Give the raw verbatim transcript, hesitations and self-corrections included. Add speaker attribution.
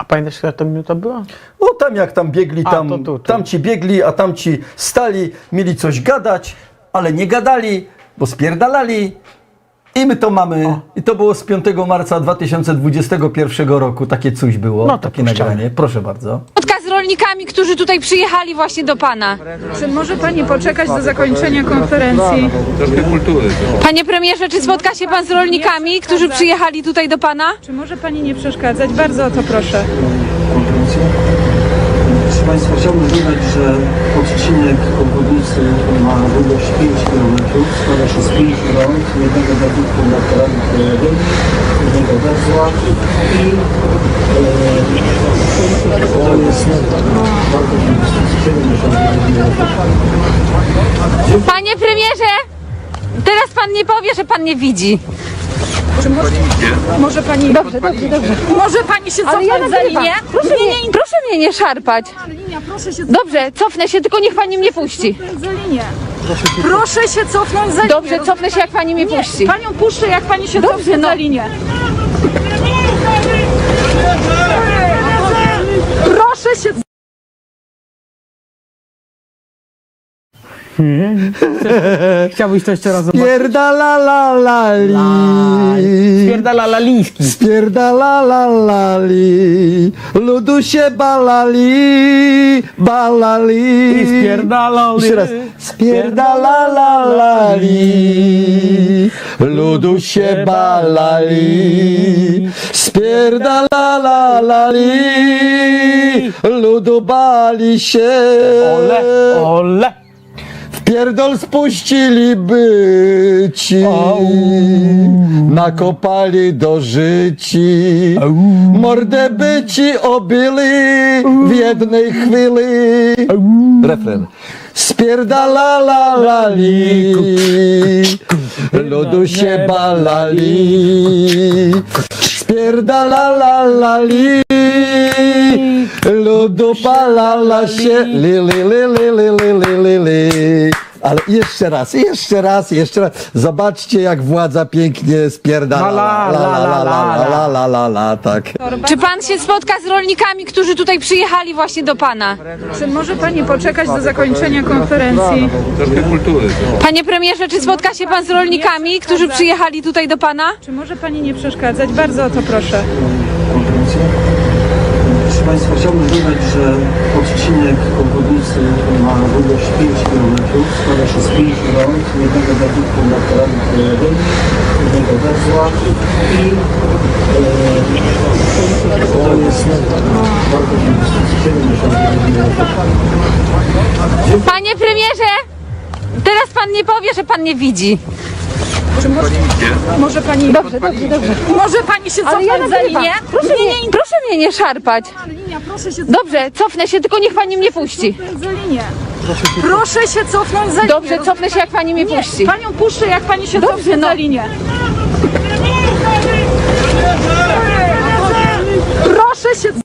Speaker 1: A pamiętasz, która to minuta była?
Speaker 2: No tam jak tam biegli,
Speaker 1: A,
Speaker 2: tam,
Speaker 1: to tu, tu.
Speaker 2: tamci biegli, a tamci stali, mieli coś gadać, ale nie gadali, bo spierdalali. I my to mamy.
Speaker 1: O.
Speaker 2: I to było z piątego marca dwa tysiące dwudziestego pierwszego roku. Takie coś było,
Speaker 1: No to
Speaker 2: takie
Speaker 1: puszczamy.
Speaker 2: nagranie. Proszę bardzo.
Speaker 3: Spotka z rolnikami, którzy tutaj przyjechali właśnie do pana.
Speaker 4: Czy może pani poczekać do zakończenia konferencji?
Speaker 5: Troszkę kultury.
Speaker 3: Panie premierze, czy spotka się pan z rolnikami, którzy przyjechali tutaj do pana?
Speaker 4: Czy może pani nie przeszkadzać? Bardzo o to proszę.
Speaker 6: konferencję. Proszę Państwa, chciałbym dodać, że odcinek obwodnicy ma długość pięć kilometrów, składa się z pięciu rąk, jednego zabytku na terenie krajowym, jednego węzła i e, to jest bardzo siedemdziesiąt metrów.
Speaker 3: Panie premierze, teraz pan nie powie, że pan nie widzi.
Speaker 4: Czy może, może pani...
Speaker 3: Dobrze, dobrze, dobrze.
Speaker 4: Może pani się
Speaker 3: Ale ja
Speaker 4: cofnąć za
Speaker 3: nagrywam.
Speaker 4: linię?
Speaker 3: Proszę mnie, proszę mnie nie szarpać.
Speaker 4: Linia, proszę się
Speaker 3: Dobrze, cofnę się, tylko niech pani mnie puści.
Speaker 4: cofnąć za linię. Proszę się cofnąć za linię.
Speaker 3: Dobrze, cofnę się, jak pani mnie
Speaker 4: Nie,
Speaker 3: puści.
Speaker 4: panią puszczę, jak pani się
Speaker 3: Dobrze,
Speaker 4: cofnie
Speaker 3: no.
Speaker 4: za linię. Proszę się...
Speaker 1: Chciałbyś to jeszcze raz zobaczyć?
Speaker 2: Spierdalalali.
Speaker 1: Spierdala Laliński.
Speaker 2: Spierdalalali. Ludu się balali. Balali.
Speaker 1: I spierdalali.
Speaker 2: Jeszcze raz. Spierdalalali. Ludu się balali. Spierdalalali. Ludu bali się.
Speaker 1: Ole, ole.
Speaker 2: Pierdol spuściliby ci,
Speaker 1: Au.
Speaker 2: nakopali do życi,
Speaker 1: Au.
Speaker 2: mordę by ci obili w jednej chwili. Refren. Spierdalalali, ludu się balali, spierdalalali, ludu balala się, li, li, li, li, li, li, li, li, li. Ale jeszcze raz, jeszcze raz, jeszcze raz. Zobaczcie, jak władza pięknie spierdala.
Speaker 1: La, la, la, la, la,
Speaker 2: la, la, la, la, tak.
Speaker 3: Czy pan się spotka z rolnikami, którzy tutaj przyjechali właśnie do pana?
Speaker 4: Czy może pani poczekać do zakończenia konferencji?
Speaker 5: Troszkę kultury.
Speaker 3: Panie premierze, czy spotka się pan z rolnikami, którzy przyjechali tutaj do pana?
Speaker 4: Czy może pani nie przeszkadzać? Bardzo o to proszę.
Speaker 6: konferencję. Proszę Państwa, chciałbym dodać, że odcinek obwodnicy ma długość pięć kilometrów, składa się z pięciu rąk, jednego zabytku na terenie krajowym, jednego węzła i e, to jest bardzo siedemdziesiąt metrów.
Speaker 3: Panie premierze, teraz pan nie powie, że pan nie widzi.
Speaker 4: Czy może, może pani...
Speaker 3: Dobrze, dobrze, dobrze.
Speaker 4: Może pani się
Speaker 3: Ale ja
Speaker 4: cofnąć za
Speaker 3: nagrywam.
Speaker 4: linię?
Speaker 3: Proszę mnie, proszę mnie nie szarpać.
Speaker 4: Linia, proszę się
Speaker 3: Dobrze, cofnę się, tylko niech pani mnie puści.
Speaker 4: cofnąć za linię. Proszę się cofnąć za linię.
Speaker 3: Dobrze, cofnę się, jak pani mnie
Speaker 4: Nie,
Speaker 3: puści.
Speaker 4: panią puszczę, jak pani się
Speaker 3: Dobrze,
Speaker 4: cofnie
Speaker 3: no.
Speaker 4: za linię. Proszę się...